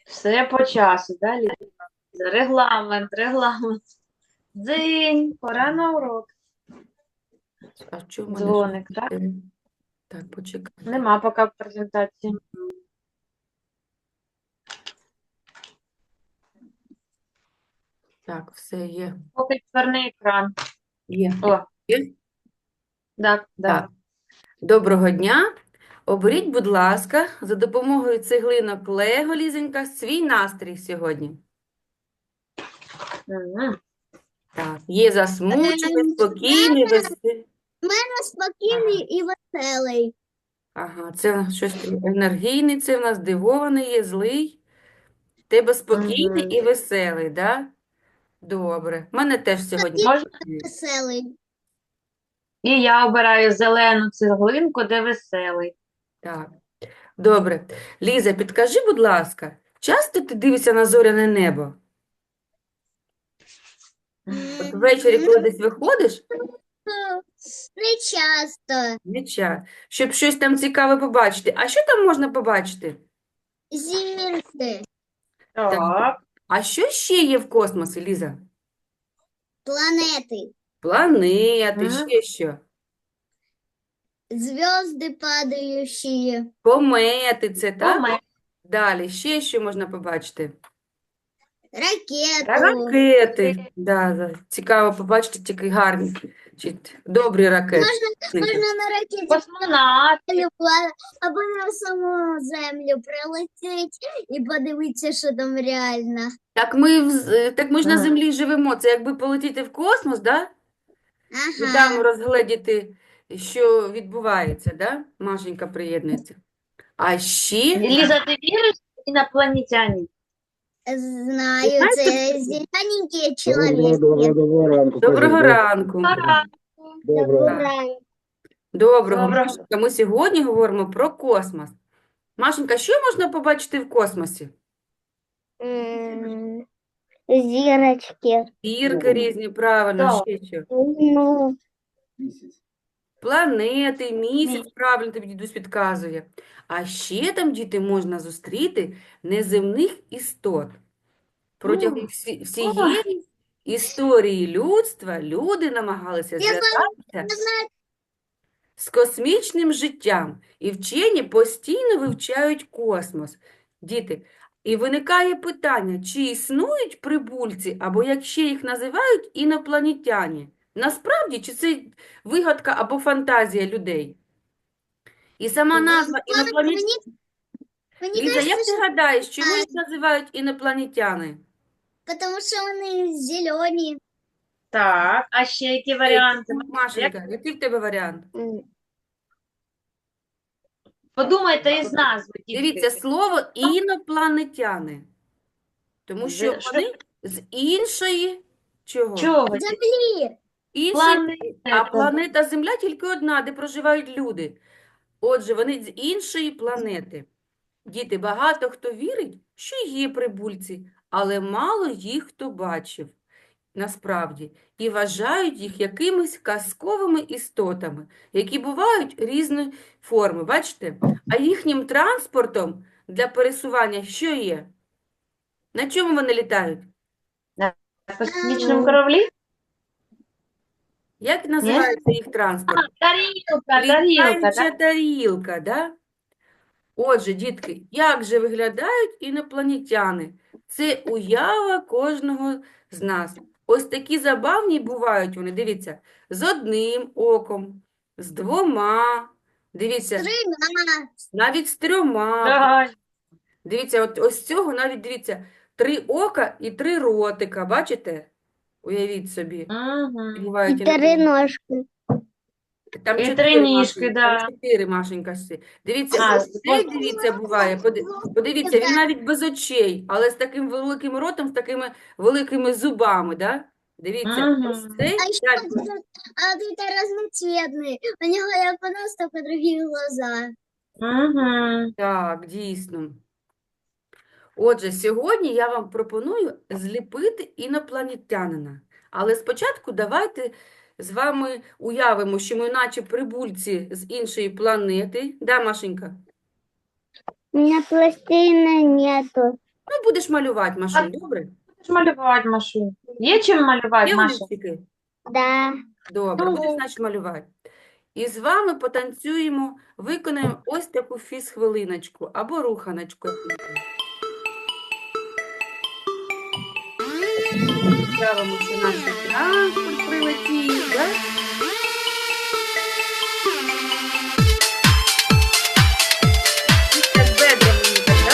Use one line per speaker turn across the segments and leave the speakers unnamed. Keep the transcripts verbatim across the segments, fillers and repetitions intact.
Все по часу, да, Ліза? Регламент, регламент. Дзинь, пора на урок.
А що в мене щось?
Дзвоник, так?
е, Так, почекайте.
Нема поки презентації.
Так, все є.
Поки чорний екран.
Є.
О,
Є?
так, да.
Так. Доброго дня. Оберіть, будь ласка, за допомогою цеглинок Лего, Лізенька, свій настрій сьогодні.
Мгм.
Так, є засмучений,
Ем,
спокійний, веселий.
Спокійний і веселий.
Ага, це щось енергійний, це в нас здивований є, злий. Тебе спокійний
Мгм.
і веселий, да? Добре. У мене теж сьогодні.
Можна?
Веселий.
І я обираю зелену цеглинку, де веселий.
Так. Добре. Ліза, підкажи, будь ласка, часто ти дивишся на зоряне небо? От ввечері, коли десь виходиш,
Не часто.
не час, щоб щось там цікаве побачити. А що там можна побачити?
Зірки.
Так.
А що ще є в космосі, Ліза?
Планети.
Планети,
Мгм.
ще що?
Звезды падающие.
Комети, це так?
Коме-
Далі, ще що можна побачити?
Ракету.
Ракети. Да, да. Цікаво побачити тільки гарні, чи добрі ракети.
Можна на ракеті
Космонавт.
полюбла- або на саму землю прилетіть і подивитися, що там реально.
Так ми, в з- так ми ж на
Ага.
Землі живемо. Це якби полетіти в космос, да? І там
Ага.
розгледіти, що відбувається, да? Машенька приєднується. А ще,
Ліза, ти віриш в інопланетян?
Знаю, це зелененькі чоловіки.
Доброго ранку.
доброго ранку.
Доброго.
Доброго.
Доброго,
Доброго.
Машенька. Ми сьогодні говоримо про космос. Машенька, що можна побачити в космосі?
М, Зірочки.
Зірки різні, правильно,
Так.
ще що?
Ну,
Планети, місяць, правильно тобі дідусь підказує. А ще там, діти, можна зустріти неземних істот. Протягом всі- всієї історії людства люди намагалися
Я знаю,
зв'язатися
я знаю,
з космічним життям, і вчені постійно вивчають космос. Діти, і виникає питання, чи існують прибульці, або як ще їх називають, інопланетяни? Насправді, чи це вигадка або фантазія людей? І сама назва інопланетяни.
мені, мені
Ліза, як
кажется,
ти гадаєш, чому їх називають інопланетяни?
тому що вони зелені.
Так, а ще які варіанти?
Машенька, який в тебе варіант?
Подумайте із назви, дітки.
Дивіться, слово інопланетяни. Тому що
З-
вони з іншої чого?
Чого?
Землі.
Іншої, а
Планета.
планета Земля тільки одна, де проживають люди. Отже, вони з іншої планети. Діти, багато хто вірить, що є прибульці, але мало їх хто бачив насправді, і вважають їх якимись казковими істотами, які бувають різної форми, бачите? А їхнім транспортом для пересування що є? На чому вони літають?
На космічному кораблі?
Як називається їх транспорт?
Тарілка, тарілка,
Літаюча
так?
тарілка, да? Отже, дітки, як же виглядають інопланетяни? Це уява кожного з нас. Ось такі забавні бувають вони, дивіться, з одним оком, з двома, дивіться,
Трина.
навіть з трьома.
Так.
Дивіться, от ось цього навіть, дивіться, три ока і три ротика, бачите? Уявіть собі.
Мгм.
Бувають інопланетяни.
ножки.
Там
І
чотири,
три ніжки,
Машенька,
да.
там чотири, Машенька. ще. Дивіться,
А,
ось цей, дивіться, буває. Поди- Подивіться, він навіть без очей, але з таким великим ротом, з такими великими зубами, да? Дивіться,
Мгм.
ось цей,
А еще
так,
этот, а вот это разноцветный. У него я понос, только другие глаза.
Мгм.
так, дійсно. Отже, сьогодні я вам пропоную зліпити інопланетянина. Але спочатку давайте з вами уявимо, що ми наче прибульці з іншої планети. Да, Машенька?
У меня пластилина нету.
Ну, будеш малювати, Машунь, добре?
Будеш малювати, Машу. Є чим малювати,
Є
Маша?
олівчики?
Да.
Добре,
Ну,
будеш, значить, малювати. І з вами потанцюємо, виконаємо ось таку фіз-хвилиночку або руханочку. Уявимо, що наш транспорт прилетів, да? І так бедрами їхати, да?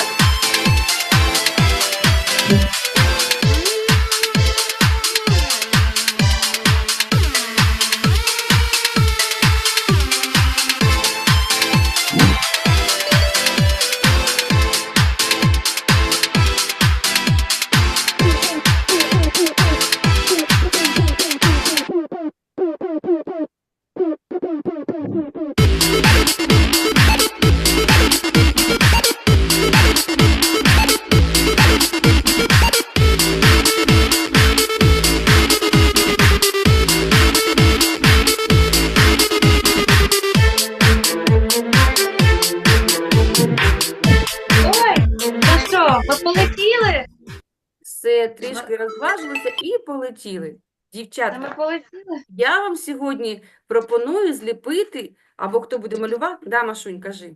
Ой, ну що, ви полетіли?
Все, трішки розважилися і полетіли.
Та ми
Дівчатка,
полетіли?
я вам сьогодні пропоную зліпити, або хто буде малювати? Да, Машунь, кажи.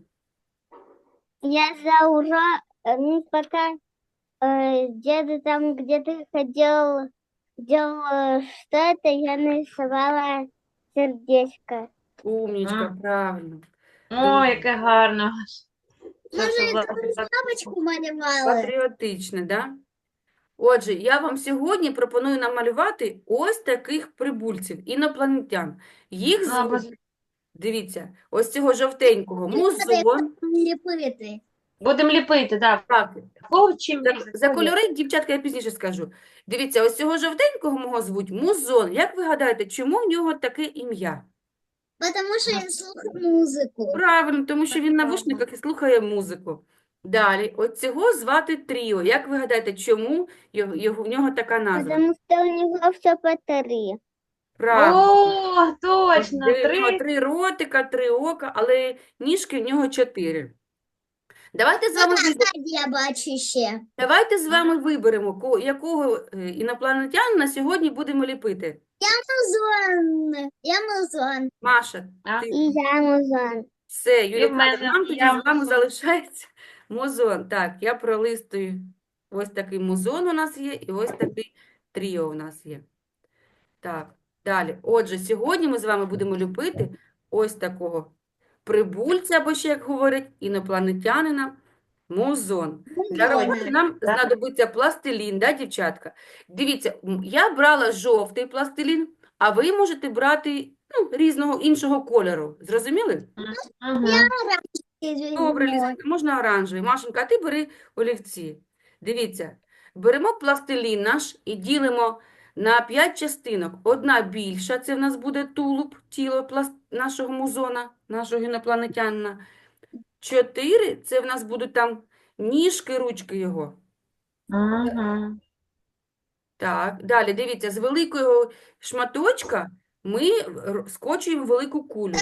Я за ура, э, ну, пока э, где-то там, где ты ходил, делал э, что-то, я нарисовала сердечко.
Умнічка,
М.
правильно.
Ой, яке гарно. Що
Може,
це
я
за-
якусь
за-
бабочку малювала?
Патріотичне, да? Отже, я вам сьогодні пропоную намалювати ось таких прибульців, інопланетян. Їх
Ну, або
звуть, дивіться, ось цього жовтенького, музон.
Ліпити.
Будемо ліпити, так.
Так,
Кого чим
за,
різати?
за
Кого?
кольори, дівчатка, я пізніше скажу. Дивіться, ось цього жовтенького мого звуть музон. Як ви гадаєте, чому в нього таке ім'я?
Потому що я слухаю музику.
Правильно, тому що він на
Ага.
вушниках і слухає музику. Далі, от цього звати Тріо. Як ви гадаєте, чому його, його, в нього така назва?
Потому що у нього все по три.
Правильно.
О, точно,
Де в нього
три.
три ротика, три ока, але ніжки в нього чотири. Давайте з вами, виб-
Ззаді я бачу ще.
давайте з вами виберемо, ко- якого е, інопланетянина сьогодні будемо ліпити.
Музон. Я музон.
Маша,
А?
ти
І я музон.
все, Юлія
в мене
нам тоді
я
з вами
музон.
залишається музон. Так, я пролистую. Ось такий музон у нас є, і ось такий тріо у нас є. Так, далі. Отже, сьогодні ми з вами будемо ліпити ось такого прибульця, або ще, як говорять, інопланетянина, музон. Для
Музон.
роботи нам
Так.
знадобиться пластилін, да, дівчатка? Дивіться, м, я брала жовтий пластилін, а ви можете брати ну, різного іншого кольору. Зрозуміли?
Угу.
Добре, Ліза, можна оранжевий. Машенька, а ти бери олівці. Дивіться, беремо пластилін наш і ділимо на п'ять частинок. Одна більша, це в нас буде тулуб, тіло пласт... нашого музона, нашого інопланетянина. Чотири, це в нас будуть там ніжки, ручки його.
Угу.
Так, далі, дивіться, з великого шматочка ми р- скочуємо велику кулю.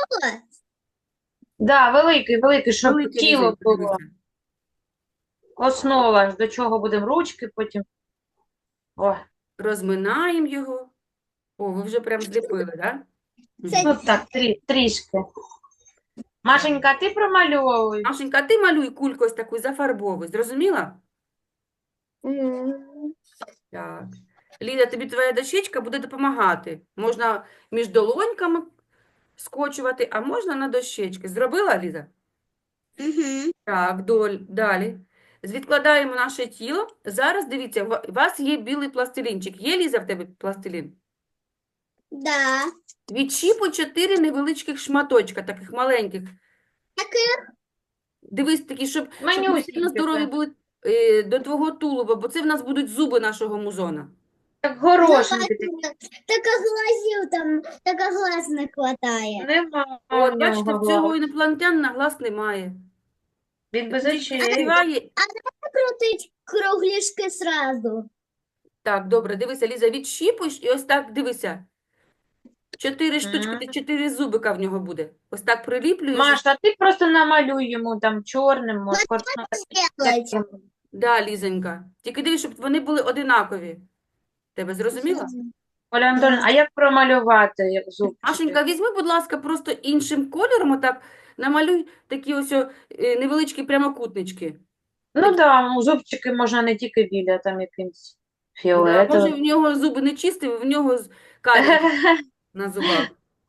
Да, великий, великий, щоб
Великий
тіло
різень,
було.
подивіться.
Основа, ж, до чого будемо ручки потім. О,
Розминаємо його. О, ви вже прям зліпили, так? Да?
Це-
ну так, трі, трішки. Машенька, а ти промальовуй.
Машенька, а ти малюй кульку ось таку, зафарбовуй. Зрозуміла?
М.
Так. Ліда, тобі твоя дощечка буде допомагати. Можна між долоньками скочувати, а можна на дощечки. Зробила, Ліза?
Мгм.
Так, доль, далі. Відкладаємо наше тіло. Зараз, дивіться, ва- у вас є білий пластилінчик. Є, Ліза, в тебе пластилін?
Да.
Відчіпуй чотири невеличких шматочка, таких маленьких.
Яких?
Дивись, такі, щоб, щоб вони
Манюсінькі
сильно здорові
це.
були е, до твого тулуба, бо це в нас будуть зуби нашого музона.
Як горошинки такі.
Така глазів там, така глаз не хватає.
Нема
От,
в
бачите,
нього
в цього
глаз.
інопланетянина глаз немає.
Він без
Тільки
очей.
співає.
Крутить кругляшки сразу.
Так, добре, дивися, Ліза, відщіпуєш і ось так, дивися. Чотири штучки,
Мгм.
ти чотири зубика в нього буде. Ось так приліплюєш.
Маша, а ти просто намалюй йому там чорним, може,
Сделать.
Да, Лізонька. Тільки дивись, щоб вони були одинакові. Тебе зрозуміла?
Оля Антонівна, а як промалювати як зубчики?
Машенька, візьми, будь ласка, просто іншим кольором, отак намалюй такі ось о, е, невеличкі прямокутнички.
Ну да, ну, зубчики можна не тільки біля, там якимсь
Да, може,
фіолетовим.
в нього зуби не чисті, в нього з- карі на зубах.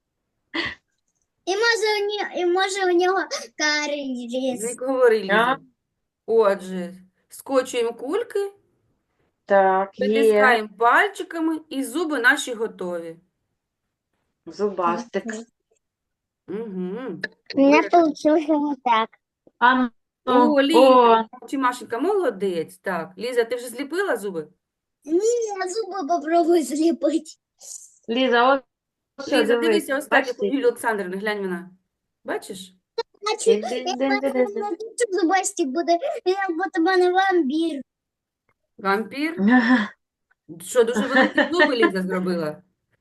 І може у нього, і може у нього карий
Не
різ.
говори,
А,
Ліза. Отже, скочуємо кульки,
Так, є.
притискаємо пальчиками, і зуби наші готові.
Зубастик.
Угу.
У меня получилось вот так.
А ну,
О,
о,
Ліза, чи Машенька, молодець. Так, Ліза, ти вже зліпила зуби?
Не, зубы попробуй слепить.
Ліза, ось що,
Ліза,
дивись,
дивися, ось так, як у
бачите?
Юлії Олександрівни, глянь вона. Бачиш?
Значит,
Дин-дин-дин-дин-дин.
напишу зубастик буде, як будто мене вампір.
Вампір. Що, дуже великі зуби Ліза зробила?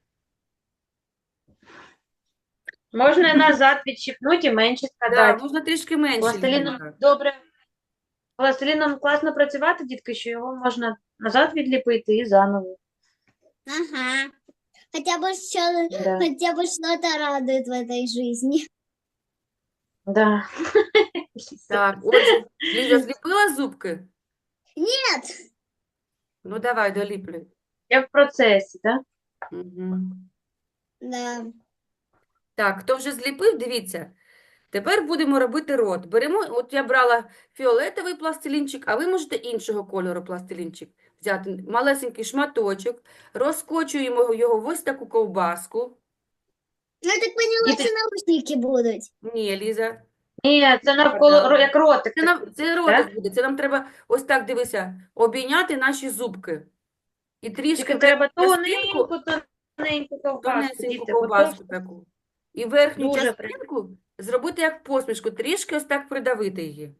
Можна назад відщипнути і менше
Так,
складати.
можна трішки менше,
Пластиліном
Лізонька.
добре. Пластиліном класно працювати, дітки, що його можна назад відліпити і заново.
Ага. Хотя бы что,
Да.
хотя бы что-то радует в этой жизни.
Да.
Так, отже, Ліза зліпила зубки?
Нет.
Ну, давай, доліплюй.
Я в процесі, так?
Угу.
Да.
Так, хто вже зліпив, дивіться. Тепер будемо робити рот. Беремо, от я брала фіолетовий пластилінчик, а ви можете іншого кольору пластилінчик взяти. Малесенький шматочок, розкочуємо його в ось таку ковбаску.
Ну, я так поняла,
Діти-
что наушники будут.
Ні, Ліза,
Ні, це навколо,
Да.
ро- як ротик.
це, нам,
такий,
це
так?
ротик буде. Це нам треба ось так, дивися, обійняти наші зубки. І трішки
Тільки треба
верхню частинку,
тоненьку, тоненьку ковбаску,
тонесеньку
діти. бо
ковбаску
товсто
таку. І верхню
Дуже
частинку зробити як посмішку, трішки ось так придавити її.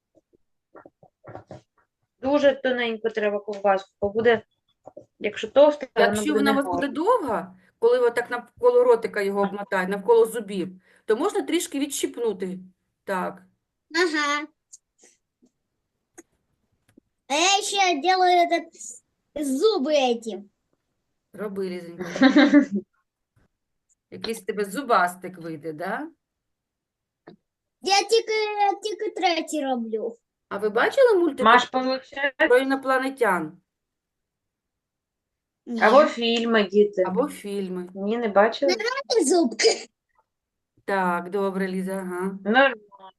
Дуже тоненько треба ковбаску, бо буде, якщо товста, воно
Якщо
буде
вона у вас
негарно.
буде довга, коли ви так навколо ротика його обмотаєте, навколо зубів, то можна трішки відщипнути. Так.
Ага. А я еще делаю этот зубы эти.
Роби, Лізенька. Якийсь в тебе зубастик вийде, да?
Я тільки, я тільки третій роблю.
А ви бачили мультик
Маш, получає.
про інопланетян?
Ні.
Або фільми, діти.
Або фільми?
Ні, не бачили?
Зубки.
Так, добре, Ліза, ага.
Ну,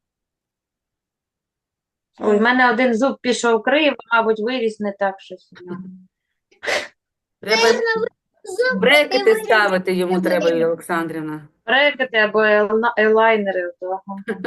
ой, в мене один зуб пішов криво, мабуть, виріс не так щось.
Треба
Зуб
брекети
виріс.
ставити йому
Виріс.
треба, Юлія Олександрівна.
Брекети або елна- елайнери. Ото.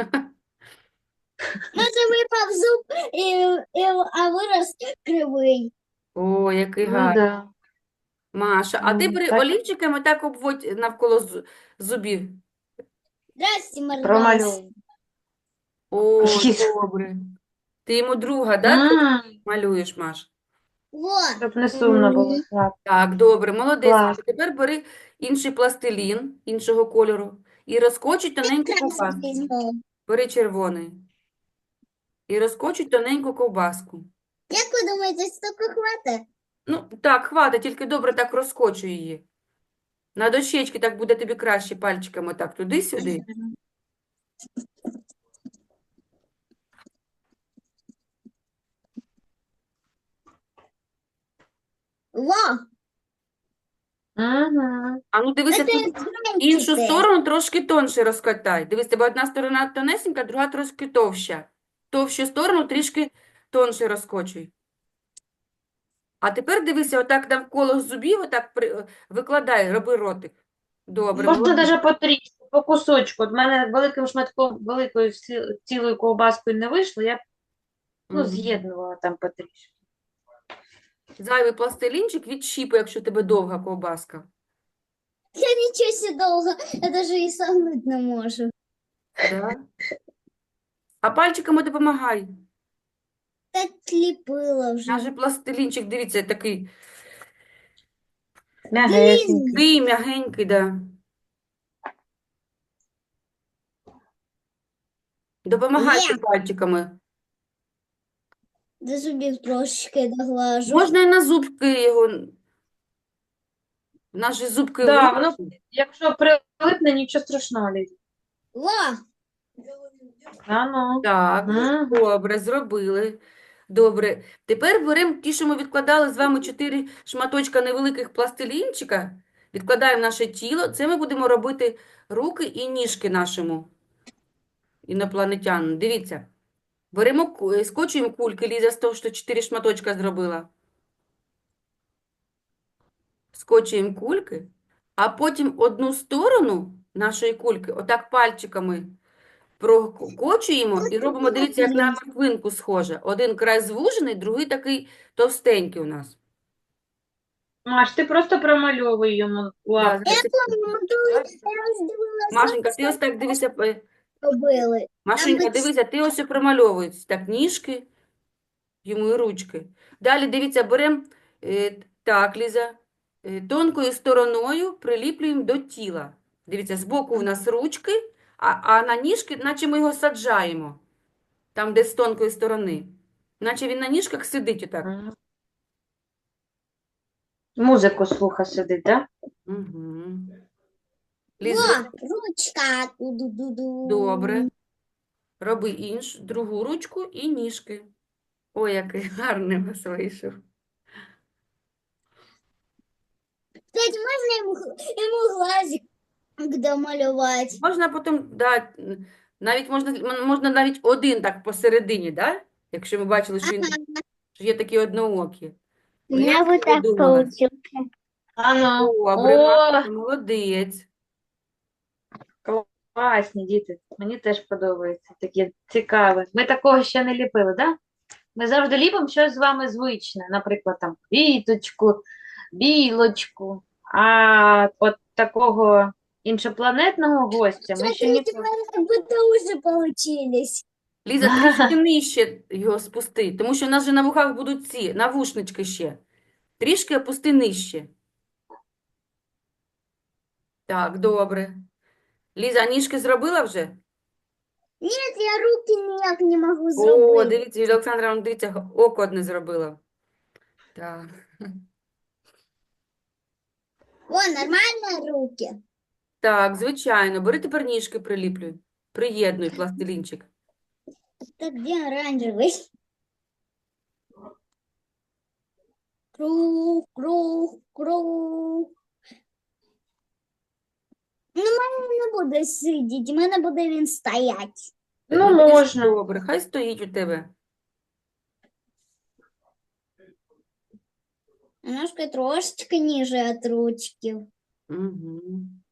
Може випав зуб, і, і, а вирос кривий.
О, який
Ну,
гарний.
да.
Маша, а ти
Ну,
бери
так.
олівчиками так обводь навколо зу- зубів.
Здрасте, Маргас.
Промалюй.
О,
Ліза.
добре. Ти йому друга, да,
М,
малюєш, Маш?
Во.
Щоб не сумно було.
Мгм.
Так.
Так, добре, молодець.
Клас.
Маша. Тепер бери інший пластилін, іншого кольору, і розкочуй тоненьку ковбаску.
Візьму.
Бери червоний. І розкочуй тоненьку ковбаску.
Як ви думаєте, стільки хватить?
Ну, так, хватить, тільки добре так розкочуй її. На дощечки так буде тобі краще пальчиками так туди-сюди.
Во.
Угу.
А ну дивися,
Це
тут іншу
зранчите.
сторону трошки тонше розкатай. Дивись, тебе одна сторона тонесенька, друга трошки товща. Товщу сторону трішки тонше розкочуй. А тепер дивися, отак навколо зубів, отак при- викладай, роби ротик. Добре,
Можна
молодець.
навіть по трішку, по кусочку. От мене великим шматком, великою ці- цілою ковбаскою не вийшло, я б, ну,
Мгм.
з'єднувала там потрішки.
Зайвий пластилінчик відщіпай, якщо у тебе довга ковбаска.
Я нічого себе довго, я навіть і согнути не можу.
Да? А пальчиками допомагай.
Так ліпила вже.
Наш же пластилінчик, дивіться, такий
М'ягесенький.
такий м'ягенький, да. Допомагайте
Є.
пальчиками.
До зубів трошечки доглажу.
Можна і на зубки його. Наші зубки
Да,
вирішують.
воно, якщо прилипне, нічого страшного, Ліза.
Ла!
А ну.
Так,
Мгм.
добре, зробили. Добре. Тепер беремо ті, що ми відкладали з вами чотири шматочка невеликих пластилінчика. Відкладаємо в наше тіло. Це ми будемо робити руки і ніжки нашому інопланетянину. Дивіться. Беремо, ку- е, скочуємо кульки, Ліза, з того, що чотири шматочка зробила. Скочуємо кульки, а потім одну сторону нашої кульки отак пальчиками прокочуємо і робимо, дивіться, як на морквинку схоже. Один край звужений, другий такий товстенький у нас.
Маш, ти просто промальовуй йому
Да,
лапки.
зараз я- Машенька, ти ось так дивися. е,
Робили.
Машенька,
Там
дивися, ти ось промальовуєш. Так, ніжки, йому і ручки. Далі, дивіться, беремо, е, так, Ліза, е, тонкою стороною приліплюємо до тіла. Дивіться, збоку у нас ручки, а, а на ніжки, наче ми його саджаємо. Там, де з тонкої сторони. Наче він на ніжках сидить отак.
Мгм. Музику слуха сидить, так?
Угу.
О,
Ліза,
ручка. Ду-ду-ду-ду.
добре. Роби іншу, другу ручку і ніжки. Ой, який гарний у вас вийшов.
Кстати, можна йому, йому глазик домалювати?
Можна потім, да, м, навіть можна, м- можна навіть один так посередині, да? Якщо ми бачили, що він що є такі одноокі.
У
Ой,
меня
як
вот
ти
так
придумала?
получился.
А ну.
Добре,
О,
Машенька, молодець.
класні діти. Мені теж подобається. Такі цікаві. Ми такого ще не ліпили, так? Ми завжди ліпимо щось з вами звичне. Наприклад, там квіточку, білочку. А от такого іншопланетного гостя ми ще
Смотрите,
ніколи.
мы как будто уже получились.
Ліза, трішки нижче його спусти, тому що у нас же на вухах будуть ці навушнички ще. Трішки опусти нижче. Так, добре. Ліза, а ніжки зробила вже?
Нет, я руки ніяк не могу
О,
зробити.
дивіться, Юлія Олександровна, дивіться, око одне зробила. Так.
О, нормально руки.
Так, звичайно. Бери тепер ніжки приліплюй. Приєднуй пластилінчик.
Так где оранжевый? Круг, круг, круг. Ну, мене не буде сидіти, в мене буде він стоять.
Ну,
Ну, тоді ж
можна.
Добре, хай стоїть у тебе.
Немножко трошечки ниже от ручки.
Угу.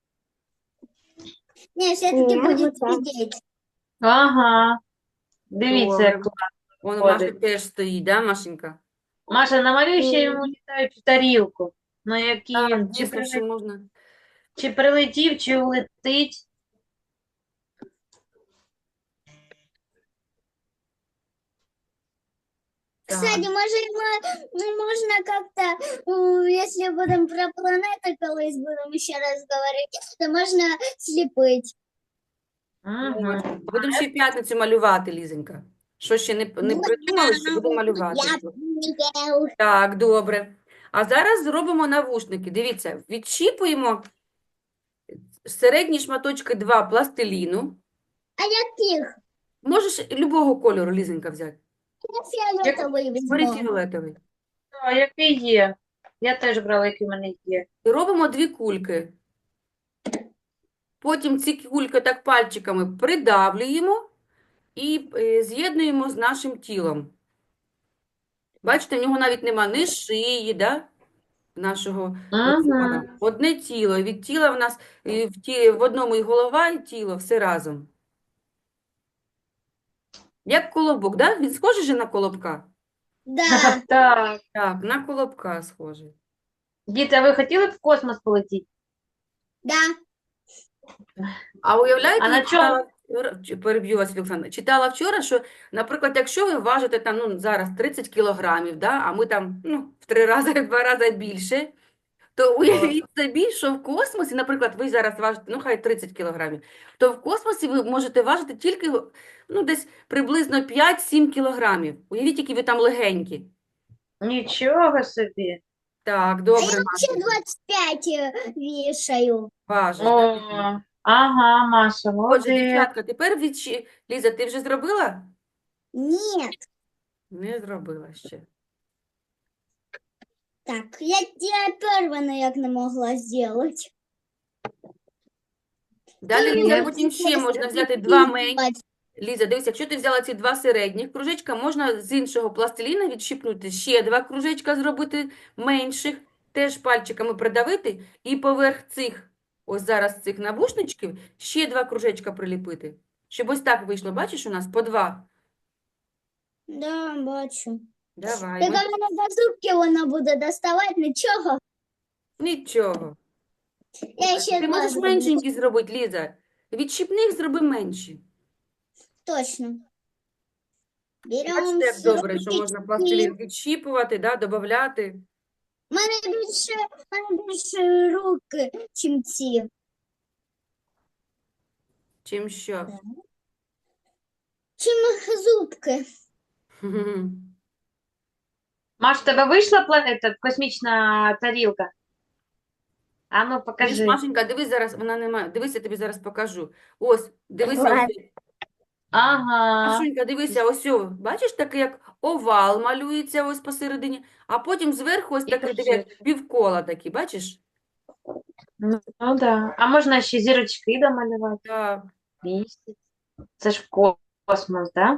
Не, все-таки
Ні,
будет
вот так.
сидеть.
Ага. Дивіться, як
Добре.
класно.
Вон у Маші
Ходить.
теж стоїть, да, Машенька?
Маша, намалюй ще йому літаючу тарілку, на якій
Так,
він чи,
дійсно,
прилетів,
що можна.
чи прилетів, чи улетить.
Кстати, может, мы, ну, можно как-то, ну, если будем про планеты колись будем еще раз говорить, то можно слепить.
Ага.
Будемо ще й п'ятницю малювати, Лізенька. Що ще не, не
Ну,
придумали, що будемо малювати.
Я понял.
Так, добре. А зараз зробимо навушники. Дивіться, відщіпуємо середні шматочки два пластиліну.
А яких?
Можеш любого кольору, Лізенька, взяти.
Я фиолетовый
Бери
возьму.
фіолетовий.
А, який є? Я теж брала, який в мене є.
І робимо дві кульки. Потім ці кульки так пальчиками придавлюємо і е, з'єднуємо з нашим тілом. Бачите, в нього навіть нема ні шиї, да? Нашого
Ага.
Леона. Одне тіло. І від тіла в нас і в, ті, в одному і голова, і тіло, все разом. Як колобок, да? Він схожий же на колобка?
Да,
Так.
Так, на колобка схожий.
Діти, а ви хотіли б в космос полетіти?
да.
А уявляєте,
А
я
на чому?
читала вчора, чи- переб'ю вас, Олександра, читала вчора, що, наприклад, якщо ви важите там, ну, зараз тридцять кілограмів, да, а ми там, ну, в три рази, в два рази більше, То уявіть собі, що в космосі, наприклад, ви зараз важите, ну хай тридцять кілограмів, то в космосі ви можете важити тільки, ну, десь приблизно п'ять-сім кілограмів. Уявіть, які ви там легенькі.
Нічого собі.
Так,
А
добре,
я вообще
Машенька,
двадцать пять э, вешаю.
важиш,
О,
так?
ага, Маша,
Отже,
молодець.
дівчатка, тепер відчі... Ліза, ти вже зробила?
Нет.
Не зробила ще.
Так, я, я первая, наверное, не могла сделать.
Далі,
Ти
Ліза,
Ні.
потім ще
просто
можна взяти два менші.
прикидывать.
Ліза, дивись, якщо ти взяла ці два середніх кружечка, можна з іншого пластиліна відщипнути ще два кружечка зробити менших, теж пальчиками придавити, і поверх цих, ось зараз цих навушничків, ще два кружечка приліпити. Щоб ось так вийшло, бачиш, у нас по два.
Да, бачу.
Давай,
Так
ми...
а мене до зубки вона буде доставати, нічого.
Нічого.
Я ще
Ти
два
можеш
зроблю.
меншенькі зробити, Ліза. Відщипних зроби менші.
Точно.
Бачите,
Беремо
як добре, що можна пластилін відщіпувати, да, додавати.
У мене більше, у мене більше руки, чим ці.
Чим що?
Чим зубки.
Маш, в тебе вийшла планета, космічна тарілка? А ну,
Дивись,
покажи.
Машенька, дивись зараз, вона немає. Дивись, я тобі зараз покажу. Ось, дивися,
Ладно.
ось.
Ага.
Машенька, дивися, ось, о, бачиш, такий як овал малюється ось посередині, а потім зверху ось
І
такий, диви, як півкола такі, бачиш?
Ну, ну да. А можна ще зірочки домалювати?
Так.
Місяць. Це ж ко- космос, да?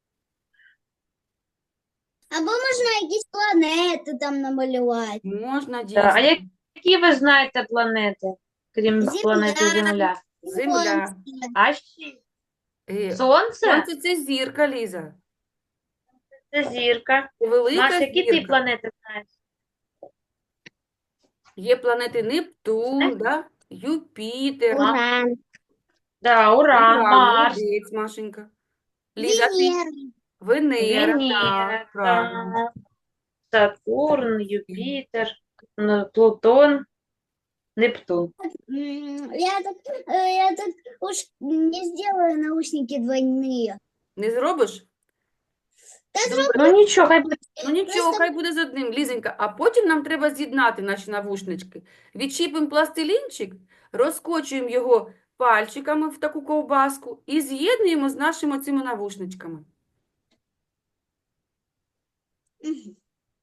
Або можна якісь планети там намалювати.
Можна
Да. А
дійсно.
які ви знаєте планети, крім
Земля.
планети Земля?
Земля.
Сонце.
А ще
Е,
Сонце?
Сонце – це зірка, Ліза.
Це зірка.
Це велика
Маш, які ти
зірка.
планети знаєш?
Є планети Нептун, да? Юпітер,
Уран.
Да, Уран,
Уран,
Марс,
молодець, Машенька. Ліза, ти
Венера.
Венера,
Венера,
так, правильно.
Сатурн, Юпітер, ну, Плутон, Нептун.
М, Я так, э, я так уж не сделаю наушники двойные.
Не зробиш?
Та
Добре.
Ну нічого, хай буде.
Ну нічого,
Просто-
хай буде з одним, Лізенька. А потім нам треба з'єднати наші навушнички. Відчіпимо пластилінчик, розкочуємо його пальчиками в таку ковбаску і з'єднуємо з нашими цими навушничками.
Мгм.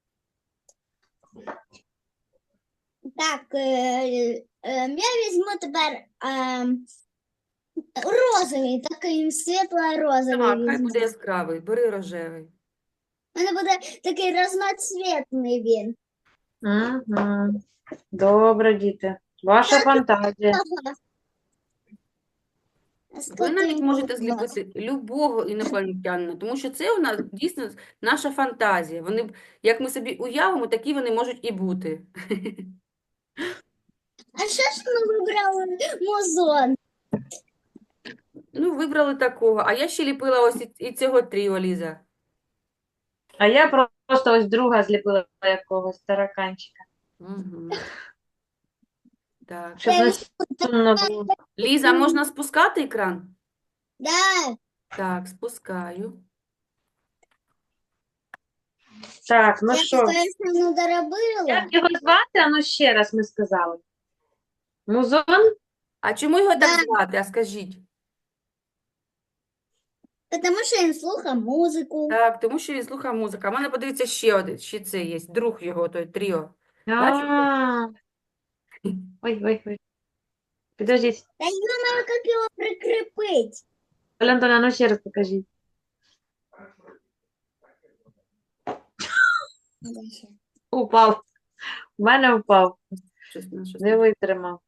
Так, э, э, я візьму тепер ем, розовий, такий світло-розовий
Так, хай
візьму.
буде яскравий, бери рожевий.
У мене буде такий разноцвітний він.
Угу. Добре, діти. Ваша фантазія.
Ага.
Ви
Скільки
навіть
він
можете
буде?
зліпити любого інопланетянина, тому що це у нас дійсно наша фантазія. Вони, б- як ми собі уявимо, такі вони можуть і бути.
А що ж ми вибрали музон?
Ну, вибрали такого. А я ще ліпила ось і- і цього тріо, Ліза.
А я про- просто ось друга зліпила якогось тараканчика.
Угу. Так.
Щоб
Я
не
візьму
сумно було.
Ліза, можна спускати екран?
Да,
Так, спускаю.
Так, ну
я
що,
таке ще не доробила.
як його звати? А ну ще раз ми сказали. Музон?
А чому його
Да.
так звати? А скажіть.
Тому що він слухає музику.
Так, тому що він слухає музику. А в мене, подивіться, ще один, ще це є, друг його, той тріо.
А. Ой, ой, ой. Підождіть.
Та я знаю, як його прикріпити.
Оля Антоновна, ну ще раз покажіть. Упав. У мене впав.
Щось, на щось
Не витримав.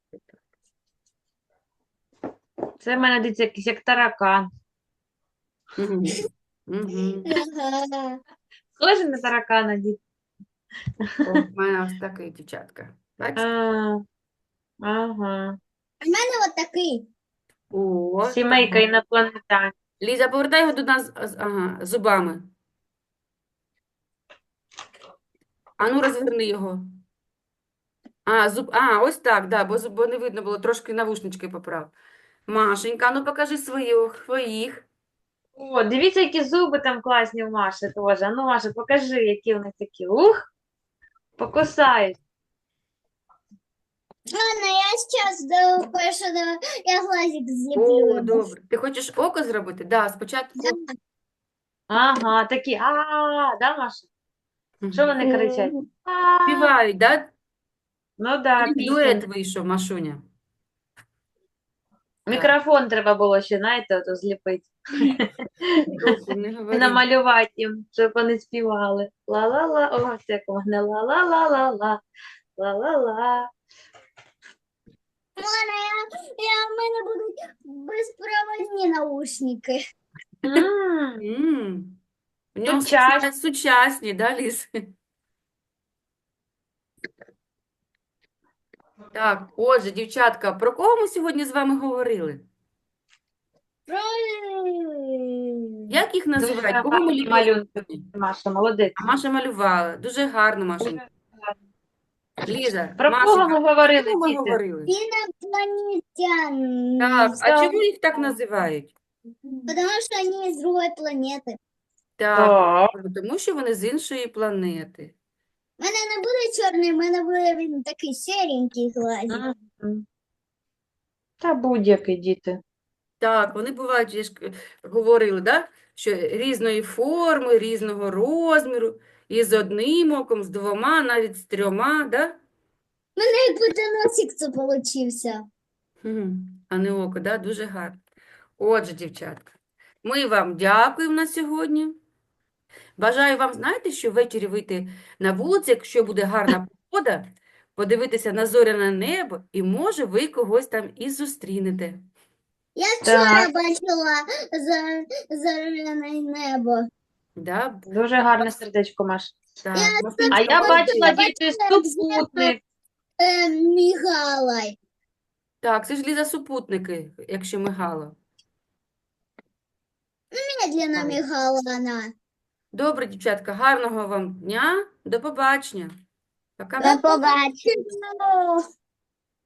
Це в мене дивіться якийсь як таракан.
Мгм. Мгм.
Ага.
Схоже на таракана, дід.
О, в мене ось такий, дівчатка. Бачите?
А, ага.
У мене от такий.
О,
Сімейка
так.
інопланетян.
Ліза, повертай його до нас з- ага, зубами. Ану, розверни його. А, зуб... а, ось так, да, бо, зуб- бо не видно було, трошки навушнички поправ. Машенька, ну покажи своїх, своїх.
О, дивіться, які зуби там класні у Маші теж. А ну, Маша, покажи, які вони такі. Ух, покусають.
Ладно, я сейчас сделаю кое-что. да- Я глазик
О,
злеплю. ему.
добре. Ти хочеш око зробити? Да, спочатку.
Да.
Ага, такі. А, да, Маша? Що вони кричать?
М.
А,
Співають, да?
ну да,
Такий дует
пісня.
вийшов, Машуня.
Мікрофон треба було ще, знаєте, ото зліпити.
Зовсім не
І
говори.
намалювати їм, щоб вони співали. Ла-ла-ла, о, це як у мене ла-ла-ла-ла-ла, ла-ла-ла.
Ладно, я, я, у мене будуть безпроводні наушники.
М,
М. В ньому
Сучасні.
суча- сучасні, да, Ліз? Так, отже, дівчатка, про кого ми сьогодні з вами говорили? Як їх
Дуже
називають? Кого ми
гарні
ліпили
малюнки,
сьогодні?
Маша, молодець.
А Маша малювала. Дуже гарно, Машенька. Ліза,
Про кого
Машенька,
ми
про
говорили,
кого ми
діти?
говорили?
Инопланетян.
Так, а
Так.
чому їх так називають?
Потому что они из другой планеты.
Так,
Так.
тому що вони з іншої планети.
У мене не буде чорний, у мене буде він такий серенький глазик.
Мгм. Та будь-який, діти.
Так, вони бувають, я ж к- говорили, да? Що різної форми, різного розміру, і з одним оком, з двома, навіть з трьома, да?
У мене як будто носик це получився.
Мгм. А не око, да? Дуже гарно. Отже, дівчатка, ми вам дякуємо на сьогодні. Бажаю вам, знаєте, що ввечері вийти на вулицю, якщо буде гарна погода, подивитися на зоряне небо, і може ви когось там і зустрінете.
Я вчора
Так.
бачила за, зоряне небо.
Да?
Дуже гарне сердечко, Маш.
Так,
Я
Машунечка,
А я
молодець.
бачила,
я
діти,
бачила,
супутник.
Е, мігала.
Так, це ж Ліза супутники, якщо мигало.
Медленно
Так.
мігала вона.
Добре, дівчатка, гарного вам дня. До побачення. Пока.
До побачення.